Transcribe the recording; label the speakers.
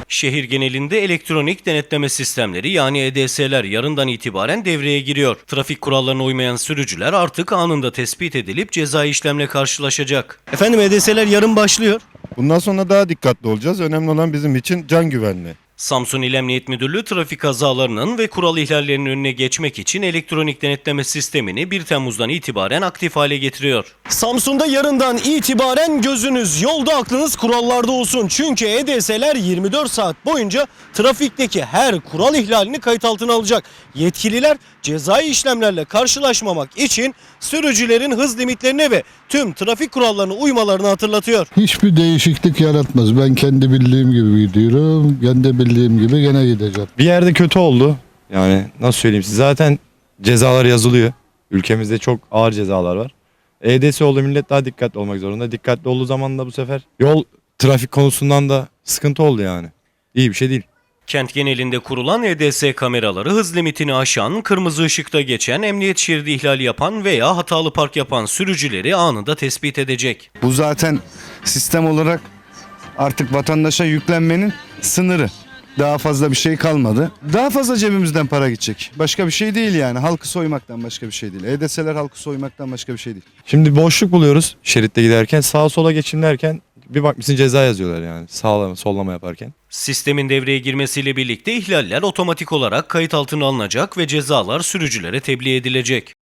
Speaker 1: Şehir genelinde elektronik denetleme sistemleri yani EDS'ler yarından itibaren devreye giriyor. Trafik kurallarına uymayan sürücüler artık anında tespit edilip cezai işlemle karşılaşacak.
Speaker 2: Efendim EDS'ler yarın başlıyor.
Speaker 3: Bundan sonra daha dikkatli olacağız. Önemli olan bizim için can güvenliği.
Speaker 1: Samsun İl Emniyet Müdürlüğü trafik kazalarının ve kural ihlallerinin önüne geçmek için elektronik denetleme sistemini 1 Temmuz'dan itibaren aktif hale getiriyor.
Speaker 2: Samsun'da yarından itibaren gözünüz yolda, aklınız kurallarda olsun. Çünkü EDS'ler 24 saat boyunca trafikteki her kural ihlalini kayıt altına alacak. Yetkililer cezai işlemlerle karşılaşmamak için sürücülerin hız limitlerine ve tüm trafik kurallarına uymalarını hatırlatıyor.
Speaker 4: Hiçbir değişiklik yaratmaz. Ben kendi bildiğim gibi gidiyorum. Kendi bildiğim gibi gene gideceğim.
Speaker 5: Bir yerde kötü oldu. Yani nasıl söyleyeyim size, zaten cezalar yazılıyor. Ülkemizde çok ağır cezalar var. EDS oldu, millet daha dikkatli olmak zorunda. Dikkatli olduğu zaman da bu sefer yol trafik konusundan da sıkıntı oldu yani. İyi bir şey değil.
Speaker 1: Kent genelinde kurulan EDS kameraları hız limitini aşan, kırmızı ışıkta geçen, emniyet şeridi ihlali yapan veya hatalı park yapan sürücüleri anında tespit edecek.
Speaker 6: Bu zaten sistem olarak artık vatandaşa yüklenmenin sınırı. Daha fazla bir şey kalmadı. Daha fazla cebimizden para gidecek. Başka bir şey değil yani. Halkı soymaktan başka bir şey değil. EDS'ler halkı soymaktan başka bir şey değil.
Speaker 5: Şimdi boşluk buluyoruz şeritte giderken, sağa sola geçeyim derken bir bakmışsın ceza yazıyorlar yani sağlama sollama yaparken.
Speaker 1: Sistemin devreye girmesiyle birlikte ihlaller otomatik olarak kayıt altına alınacak ve cezalar sürücülere tebliğ edilecek.